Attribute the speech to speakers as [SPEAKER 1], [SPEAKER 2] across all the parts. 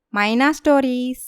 [SPEAKER 1] మైనా stories.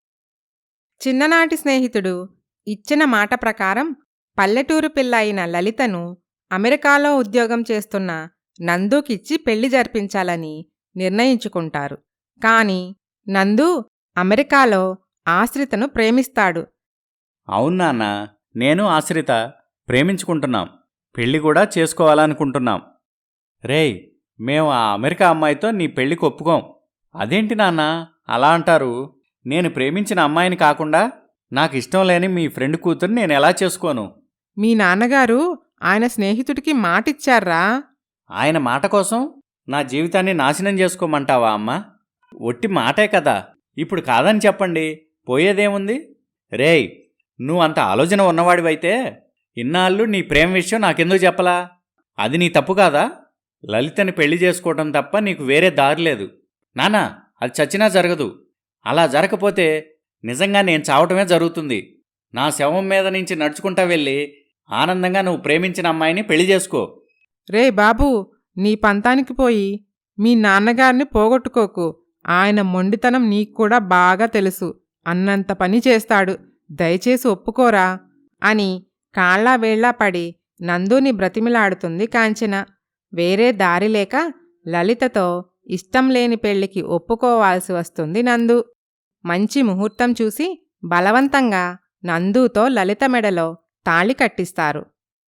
[SPEAKER 1] చిన్ననాటి స్నేహితుడు ఇచ్చిన మాట ప్రకారం పల్లెటూరు పిల్ల అయిన లలితను అమెరికాలో ఉద్యోగం చేస్తున్న నందుకిచ్చి పెళ్లి జరిపించాలని నిర్ణయించుకుంటారు. కాని నందు అమెరికాలో ఆశ్రితను ప్రేమిస్తాడు.
[SPEAKER 2] అవును నాన్న, నేను ఆశ్రిత ప్రేమించుకుంటున్నాం, పెళ్లి కూడా చేసుకోవాలనుకుంటున్నాం. రేయ్, మేము ఆ అమెరికా అమ్మాయితో నీ పెళ్లికి ఒప్పుకోం. అదేంటి నాన్న అలా అంటారు? నేను ప్రేమించిన అమ్మాయిని కాకుండా నాకు ఇష్టం లేని మీ ఫ్రెండ్ కూతురు నేను ఎలా చేసుకోను?
[SPEAKER 3] మీ నాన్నగారు ఆయన స్నేహితుడికి మాటిచ్చారా?
[SPEAKER 2] ఆయన మాట కోసం నా జీవితాన్ని నాశనం చేసుకోమంటావా అమ్మా? ఒట్టి మాటే కదా, ఇప్పుడు కాదని చెప్పండి, పోయేదేముంది? రేయ్, నువ్వు అంత ఆలోచన ఉన్నవాడివైతే ఇన్నాళ్ళు నీ ప్రేమ విషయం నాకెందుకు చెప్పలా? అది నీ తప్పు కాదా? లలితని పెళ్లి చేసుకోవటం తప్ప నీకు వేరే దారి లేదు. నానా, అది చచ్చినా జరగదు. అలా జరగకపోతే నిజంగా నేను చావటమే జరుగుతుంది. నా శవం మీద నుంచి నడుచుకుంటా వెళ్ళి ఆనందంగా నువ్వు ప్రేమించిన అమ్మాయిని పెళ్లి చేసుకో.
[SPEAKER 3] రే బాబూ, నీ పంతానికి పోయి మీ నాన్నగారిని పోగొట్టుకోకు. ఆయన మొండితనం నీకు కూడా బాగా తెలుసు. అన్నంత పని చేస్తాడు. దయచేసి ఒప్పుకోరా
[SPEAKER 1] అని కాళ్ళా వేళ్లా పడి నందుని బ్రతిమిలాడుతుంది కాంచన. వేరే దారిలేక లలితతో ఇష్టం లేని పెళ్లికి ఒప్పుకోవాల్సి వస్తుంది నందు. మంచి ముహూర్తం చూసి బలవంతంగా నందుతో లలిత మెడలో తాళి కట్టిస్తారు.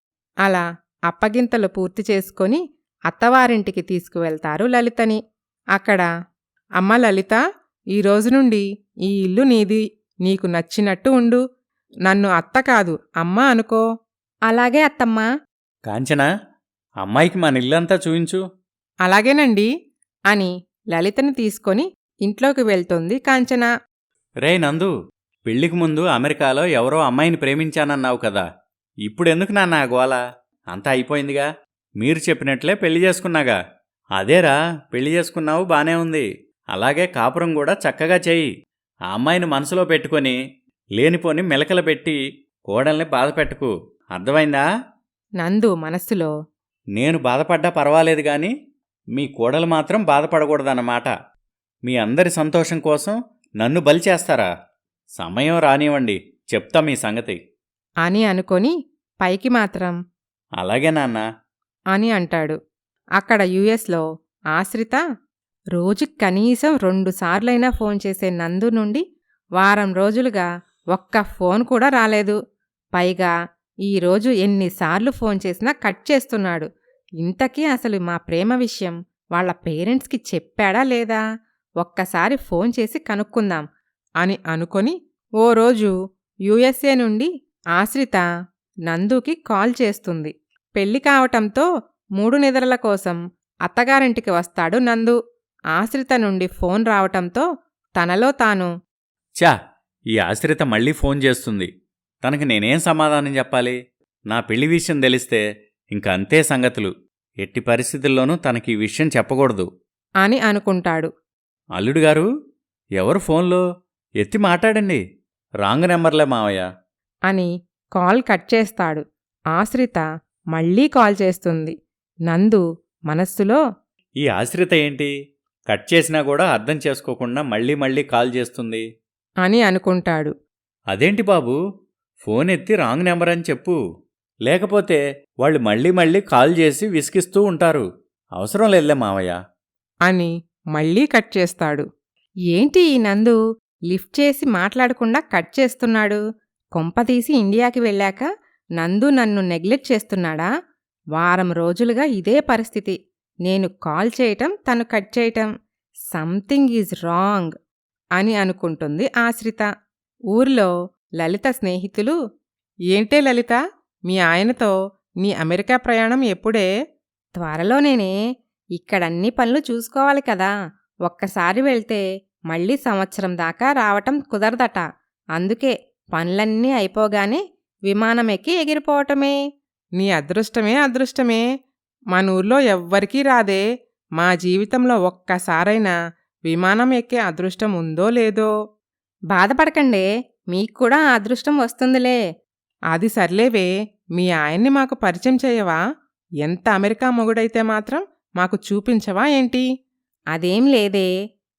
[SPEAKER 1] అలా అప్పగింతలు పూర్తి చేసుకొని అత్తవారింటికి తీసుకువెళ్తారు లలితని. అక్కడ, అమ్మ లలిత, ఈరోజు నుండి ఈ ఇల్లు నీది. నీకు నచ్చినట్టు ఉండు. నన్ను అత్త కాదు అమ్మ అనుకో. అలాగే అత్తమ్మా.
[SPEAKER 2] కాంచనా, అమ్మాయికి మన ఇల్లంతా చూయించు.
[SPEAKER 3] అలాగేనండి
[SPEAKER 1] అని లలితని తీసుకొని ఇంట్లోకి వెళ్తుంది కాంచన.
[SPEAKER 2] రే నందు, పెళ్లికి ముందు అమెరికాలో ఎవరో అమ్మాయిని ప్రేమించానన్నావు కదా, ఇప్పుడెందుకు నాన్న ఆ గోల? అంతా అయిపోయిందిగా. మీరు చెప్పినట్లే పెళ్లి చేసుకున్నాగా. అదేరా, పెళ్లి చేసుకున్నావు, బానే ఉంది. అలాగే కాపురం కూడా చక్కగా చెయ్యి. ఆ అమ్మాయిని మనసులో పెట్టుకొని లేనిపోని మెలకలు పెట్టి కోడల్ని బాధపెట్టకు, అర్థమైందా?
[SPEAKER 1] నందు మనస్సులో,
[SPEAKER 2] నేను బాధపడ్డా పర్వాలేదు గాని మీ కోడలు మాత్రం బాధపడకూడదన్నమాట. మీ అందరి సంతోషం కోసం నన్ను బలి చేస్తారా? సమయం రానివ్వండి, చెప్తా మీ సంగతి
[SPEAKER 1] అని అనుకొని పైకి మాత్రం
[SPEAKER 2] అలాగే నాన్న
[SPEAKER 1] అని అంటాడు. అక్కడ యుఎస్లో ఆశ్రిత రోజుకి కనీసం 2 సార్లైనా ఫోన్ చేసే నందు నుండి వారం రోజులుగా ఒక్క ఫోన్ కూడా రాలేదు. పైగా ఈరోజు ఎన్నిసార్లు ఫోన్ చేసినా కట్ చేస్తున్నాడు. ఇంతకీ అసలు మా ప్రేమ విషయం వాళ్ళ పేరెంట్స్కి చెప్పాడా లేదా? ఒక్కసారి ఫోన్ చేసి కనుక్కుందాం
[SPEAKER 3] అని అనుకొని ఓ రోజు యుఎస్ఏ నుండి ఆశ్రిత నందుకి కాల్ చేస్తుంది. పెళ్లి కావటంతో 3 నిద్రల కోసం అత్తగారింటికి వస్తాడు నందు. ఆశ్రిత నుండి ఫోన్ రావటంతో తనలో తాను,
[SPEAKER 2] చా, ఈ ఆశ్రిత మళ్ళీ ఫోన్ చేస్తుంది. తనకి నేనేం సమాధానం చెప్పాలి? నా పెళ్లి విషయం తెలిస్తే ఇంక అంతే సంగతులు. ఎట్టి పరిస్థితుల్లోనూ తనకి ఈ విషయం చెప్పకూడదు
[SPEAKER 1] అని అనుకుంటాడు.
[SPEAKER 2] అల్లుడుగారు, ఎవరు ఫోన్లో? ఎత్తి మాట్లాడండి. రాంగ్ నెంబర్లే మావయ్య
[SPEAKER 1] అని కాల్ కట్ చేస్తాడు. ఆశ్రిత మళ్ళీ కాల్ చేస్తుంది. నందు మనస్సులో,
[SPEAKER 2] ఈ ఆశ్రిత ఏంటి కట్ చేసినా కూడా అర్థం చేసుకోకుండా మళ్ళీ మళ్ళీ కాల్ చేస్తుంది
[SPEAKER 1] అని అనుకుంటాడు.
[SPEAKER 2] అదేంటి బాబూ, ఫోన్ ఎత్తి రాంగ్ నెంబర్ అని చెప్పు. లేకపోతే వాళ్ళు మళ్ళీ మళ్ళీ కాల్ చేసి విసిగిస్తూ ఉంటారు. అవసరం లేదులే మావయ్య
[SPEAKER 3] అని మళ్ళీ కట్ చేస్తాడు.
[SPEAKER 1] ఏంటి ఈ నందు లిఫ్ట్ చేసి మాట్లాడకుండా కట్ చేస్తున్నాడు? కొంపతీసి ఇండియాకి వెళ్ళాక నందు నన్ను నెగ్లెక్ట్ చేస్తున్నాడా? వారం రోజులుగా ఇదే పరిస్థితి. నేను కాల్ చేయటం, తను కట్ చేయటం. సంథింగ్ ఈజ్ రాంగ్ అని అనుకుంటుంది ఆశ్రిత. ఊర్లో లలిత స్నేహితులు,
[SPEAKER 3] ఏంటే లలిత, మీ ఆయనతో నీ అమెరికా ప్రయాణం ఎప్పుడే?
[SPEAKER 1] త్వరలోనేనే. ఇక్కడన్ని పనులు చూసుకోవాలి కదా. ఒక్కసారి వెళ్తే మళ్ళీ సంవత్సరం దాకా రావటం కుదరదట. అందుకే పనులన్నీ అయిపోగానే విమానం ఎక్కి ఎగిరిపోవటమే.
[SPEAKER 3] నీ అదృష్టమే అదృష్టమే. మనూర్లో ఎవ్వరికీ రాదే. మా జీవితంలో ఒక్కసారైనా విమానం ఎక్కే అదృష్టం ఉందో లేదో.
[SPEAKER 1] బాధపడకండే, మీకు కూడా ఆ అదృష్టం వస్తుందిలే.
[SPEAKER 3] అది సర్లేవే, మీ ఆయన్ని మాకు పరిచయం చేయవా? ఎంత అమెరికా మొగుడైతే మాత్రం మాకు చూపించవా ఏంటి?
[SPEAKER 1] అదేం లేదే.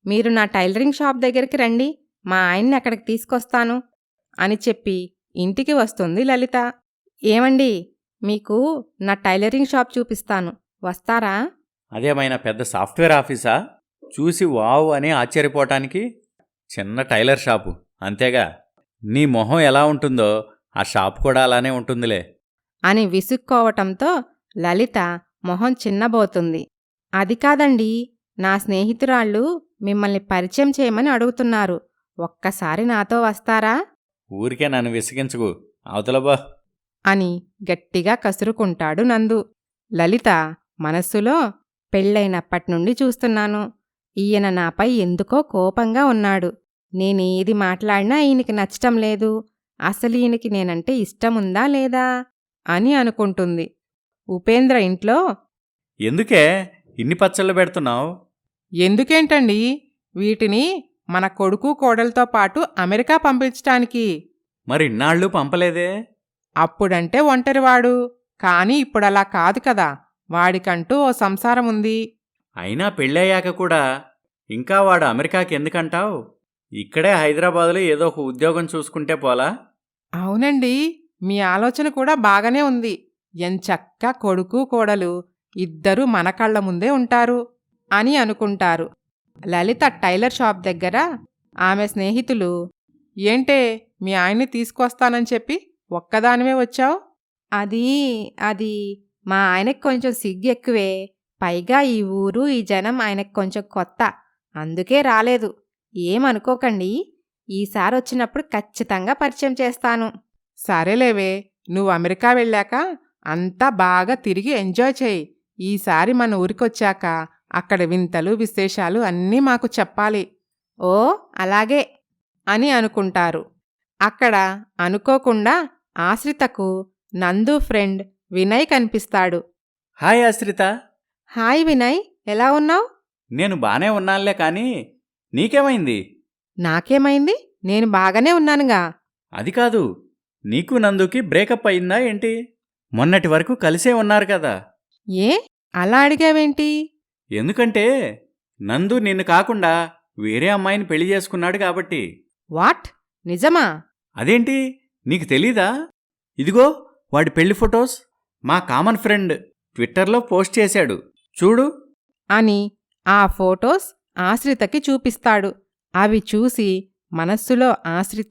[SPEAKER 3] మీరు నా టైలరింగ్ షాప్ దగ్గరికి రండి, మా ఆయన్ని అక్కడికి తీసుకొస్తాను అని చెప్పి ఇంటికి వస్తుంది లలిత. ఏమండి, మీకు నా టైలరింగ్ షాప్ చూపిస్తాను, వస్తారా?
[SPEAKER 2] అదేమైనా పెద్ద సాఫ్ట్వేర్ ఆఫీసా? చూసి వావ్ అని ఆశ్చర్యపోవటానికి చిన్న టైలర్ షాపు అంతేగా. నీ మొహం ఎలా ఉంటుందో ఆ షాప్ కూడా అలానే ఉంటుందిలే
[SPEAKER 3] అని విసుక్కోవటంతో లలిత మొహం చిన్నబోతుంది. అది కాదండి, నా స్నేహితురాళ్ళు మిమ్మల్ని పరిచయం చేయమని అడుగుతున్నారు, ఒక్కసారి నాతో వస్తారా
[SPEAKER 2] ఊరికే నన్ను విసిగించుకు, అవతలబా.
[SPEAKER 3] అని గట్టిగా కసురుకుంటాడు నందు. లలిత మనస్సులో, పెళ్ళైనప్పట్నుండి చూస్తున్నాను, ఈయన నాపై ఎందుకో కోపంగా ఉన్నాడు, నేనేది మాట్లాడినా ఈయనకి నచ్చటం లేదు, అసలు ఈయనకి నేనంటే ఇష్టముందా లేదా అని అనుకుంటుంది. ఉపేంద్ర ఇంట్లో,
[SPEAKER 2] ఎందుకే ఇన్ని పచ్చళ్ళు పెడుతున్నావు?
[SPEAKER 1] ఎందుకేంటండి, వీటిని మన కొడుకు కోడలతో పాటు అమెరికా పంపించటానికి.
[SPEAKER 2] మరి ఇన్నాళ్ళు పంపలేదే?
[SPEAKER 1] అప్పుడంటే ఒంటరివాడు, కాని ఇప్పుడలా కాదు కదా, వాడికంటూ ఓ సంసారం ఉంది.
[SPEAKER 2] అయినా పెళ్ళయ్యాక కూడా ఇంకా వాడు అమెరికాకి ఎందుకంటావు? ఇక్కడే హైదరాబాదులో ఏదో ఒక ఉద్యోగం చూసుకుంటే పోలా?
[SPEAKER 1] అవునండి, మీ ఆలోచన కూడా బాగానే ఉంది. ఎంచక్కా కొడుకు కోడలు ఇద్దరూ మన కళ్ళ ముందే ఉంటారు అని అనుకుంటారు. లలిత టైలర్ షాప్ దగ్గర ఆమె స్నేహితులు, ఏంటే మీ ఆయన్ని తీసుకొస్తానని చెప్పి ఒక్కదానివే వచ్చావు?
[SPEAKER 3] అది మా ఆయనకి కొంచెం సిగ్గు ఎక్కువే, పైగా ఈ ఊరు ఈ జనం ఆయనకి కొంచెం కొత్త, అందుకే రాలేదు. ఏమనుకోకండి, ఈసారి వచ్చినప్పుడు ఖచ్చితంగా పరిచయం చేస్తాను.
[SPEAKER 1] సరేలేవే, నువ్వు అమెరికా వెళ్ళాక అంతా బాగా తిరిగి ఎంజాయ్ చేయి. ఈసారి మన ఊరికొచ్చాక అక్కడ వింతలు విశేషాలు అన్నీ మాకు చెప్పాలి.
[SPEAKER 3] ఓ అలాగే
[SPEAKER 1] అని అనుకుంటారు. అక్కడ అనుకోకుండా ఆశ్రితకు నందు ఫ్రెండ్ వినయ్ కనిపిస్తాడు.
[SPEAKER 2] హాయ్ ఆశ్రిత.
[SPEAKER 3] హాయ్ వినయ్, ఎలా ఉన్నావ్?
[SPEAKER 2] నేను బానే ఉన్నానులే, కానీ నీకేమైంది?
[SPEAKER 3] నాకేమైంది, నేను బాగానే ఉన్నానుగా.
[SPEAKER 2] అది కాదు, నీకు నందుకి బ్రేకప్ అయిందా ఏంటి? మొన్నటి వరకు కలిసే ఉన్నారు కదా.
[SPEAKER 3] ఏ అలా అడిగావేంటి?
[SPEAKER 2] ఎందుకంటే నందు నిన్ను కాకుండా వేరే అమ్మాయిని పెళ్లి చేసుకున్నాడు కాబట్టి.
[SPEAKER 3] వాట్, నిజమా?
[SPEAKER 2] అదేంటి, నీకు తెలీదా? ఇదిగో వాడి పెళ్లి ఫొటోస్ మా కామన్ ఫ్రెండ్ ట్విట్టర్లో పోస్ట్ చేశాడు, చూడు
[SPEAKER 3] అని ఆ ఫోటోస్ ఆశ్రితకి చూపిస్తాడు. అవి చూసి మనస్సులో ఆశ్రిత,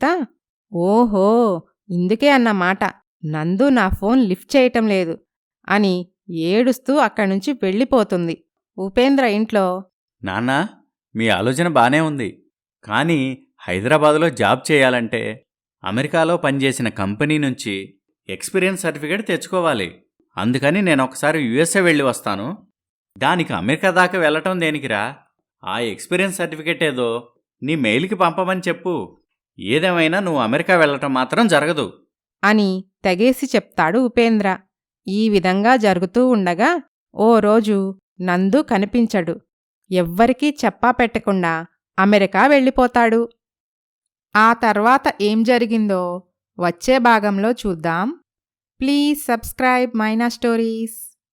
[SPEAKER 3] ఓహో ఇందుకే అన్నమాట నందు నా ఫోన్ లిఫ్ట్ చేయటం లేదు అని ఏడుస్తూ అక్కడ్నుంచి వెళ్ళిపోతుంది. ఉపేంద్ర ఇంట్లో,
[SPEAKER 2] నాన్నా, మీ ఆలోచన బానే ఉంది, కానీ హైదరాబాదులో జాబ్ చేయాలంటే అమెరికాలో పనిచేసిన కంపెనీ నుంచి ఎక్స్పీరియన్స్ సర్టిఫికేట్ తెచ్చుకోవాలి. అందుకని నేను ఒకసారి యుఎస్ఏ వెళ్ళి వస్తాను. దానికి అమెరికా దాకా వెళ్ళటం దేనికిరా? ఆ ఎక్స్పీరియన్స్ సర్టిఫికేట్ ఏదో నీ మెయిల్కి పంపమని చెప్పు. ఏదేమైనా నువ్వు అమెరికా వెళ్ళటం మాత్రం జరగదు
[SPEAKER 3] అని తెగేసి చెప్తాడు ఉపేంద్ర. ఈ విధంగా జరుగుతూ ఉండగా ఓ రోజు నందు కనిపించడు. ఎవ్వరికీ చెప్పా పెట్టకుండా అమెరికా వెళ్ళిపోతాడు. ఆ తర్వాత ఏం జరిగిందో వచ్చే భాగంలో చూద్దాం. Please subscribe Maina stories.